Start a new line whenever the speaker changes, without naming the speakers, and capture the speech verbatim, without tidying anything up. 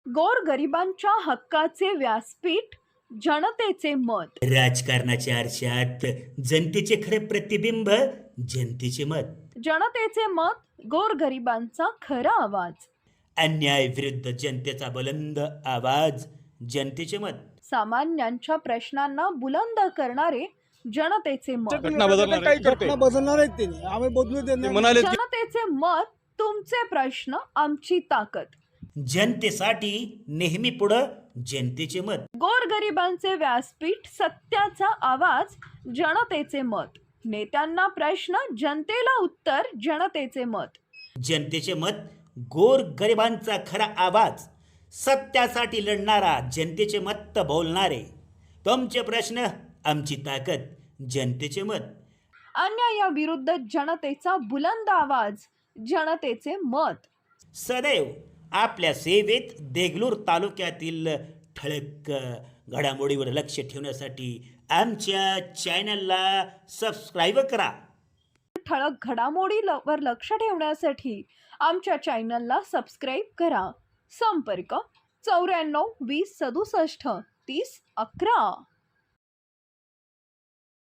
गोरगरिबांच्या हक्काचे व्यासपीठ, जनतेचे मत.
राजकारणाच्या आरशात जनतेचे खरे प्रतिबिंब, जनतेचे मत.
जनतेचे मत, गोरगरिबांचा खरा आवाज.
अन्याय विरुद्ध जनतेचा बुलंद आवाज, जनतेचे मत.
सामान्यांच्या प्रश्नांना बुलंद करणारे, जनतेचे मत.
घटना बदलणार आहे.
घटना बदलणार आहेत त्यांनी, आम्ही बदलू
ते
देणार
म्हणाले की
जनतेचे मत, तुमचे प्रश्न, आमची ताकद.
जनतेसाठी नेहमी पुढं, जनतेचे मत.
गोरगरिबांचे व्यासपीठ, सत्याचा आवाज, जनतेचे मत. नेत्यांना प्रश्न, जनतेला उत्तर, जनतेचे मत.
जनतेचे मत, गोर गरिबांचा खरा आवाज, सत्यासाठी लढणारा, जनतेचे मत बोलणारे. तुमचे प्रश्न, आमची ताकद, जनतेचे मत.
अन्यायाविरुद्ध जनतेचा बुलंद आवाज, जनतेचे मत.
सदैव आपल्या सेवेत देगलूर तालुक्यातील ठळक घडामोडीवर लक्ष ठेवण्यासाठी आमच्या चॅनलला सबस्क्राईब करा.
ठळक घडामोडीवर लक्ष ठेवण्यासाठी आमच्या चॅनलला सबस्क्राईब करा. संपर्क चौऱ्याण्णव वीस सदुसष्ट तीस अकरा.